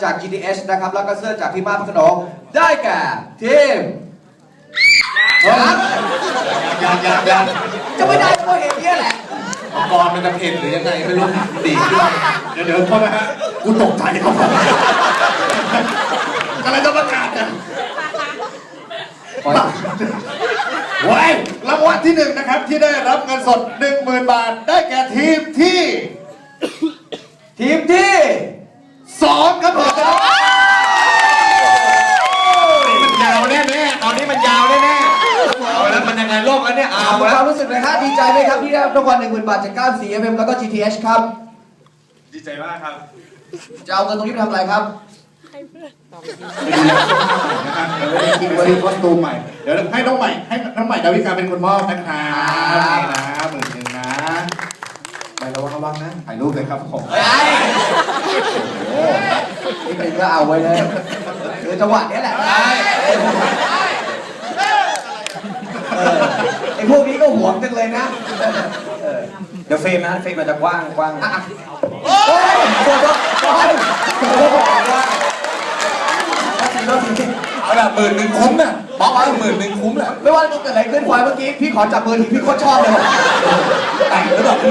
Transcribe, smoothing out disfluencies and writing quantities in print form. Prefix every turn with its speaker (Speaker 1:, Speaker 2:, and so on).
Speaker 1: จาก GTH นะครับแล้วก็เสื้อจากพี่มาพขนองได้แก่ทีมยังจะไม่ได้เพราะเห็นเนี่ยแหละ
Speaker 2: กรมันจะเผ็ดหรือยังไงไม่รู้ดีขึ้น
Speaker 3: เดี๋ยวโทษนะฮะกูตกใจครับกำลังจะประกาศเนี่ยไว้รางวัลที่ 1นะครับที่ได้รับเงินสด 10,000 บาทได้แก่ทีมที่2ครับผม
Speaker 2: มันยาวแน่ๆตอนนี้มันยาวแน่ๆเอาแล้วมันยังไงโลกแล้วเนี่ยเอา
Speaker 1: ค
Speaker 2: แล้ว
Speaker 1: วามรู้สึกเลยครับดีใจไหมครับที่ได้รับรางวัล 10,000 บาทจากก้าว 4FM แล้วก็ GTH ครับ
Speaker 3: ดีใจมากครับ
Speaker 1: จะเอาเงินตรงนี้ไปทำอะไรครับ
Speaker 3: กินวันนี้คอสตูมใหม่เดี๋ยวให้น้องใหม่ดาวิกาเป็นคนมอบนะครับนี่นะ10,000นะ
Speaker 1: ไประวังนะ
Speaker 3: ถ่ายรูปเลยครับผม
Speaker 1: นี่เป็นก็เอาไว้เลยคือจังหวะนี้แหละไอ้พวกนี้ก็หวงจังเลยนะ
Speaker 2: เดี๋ยวเฟรมนะเฟรมมันจะกว้าง
Speaker 1: โอ้ยโดน
Speaker 2: เอาละ10,000คุ้มน่ะบอกว่า10,000คุ้มแหละ
Speaker 1: ไม่ว่าจะเกิดอะไรขึ้นควายเมื่อกี้พี่ขอจับมือทีพี่โคตรชอบเลย
Speaker 2: แต่งหรือเปล่า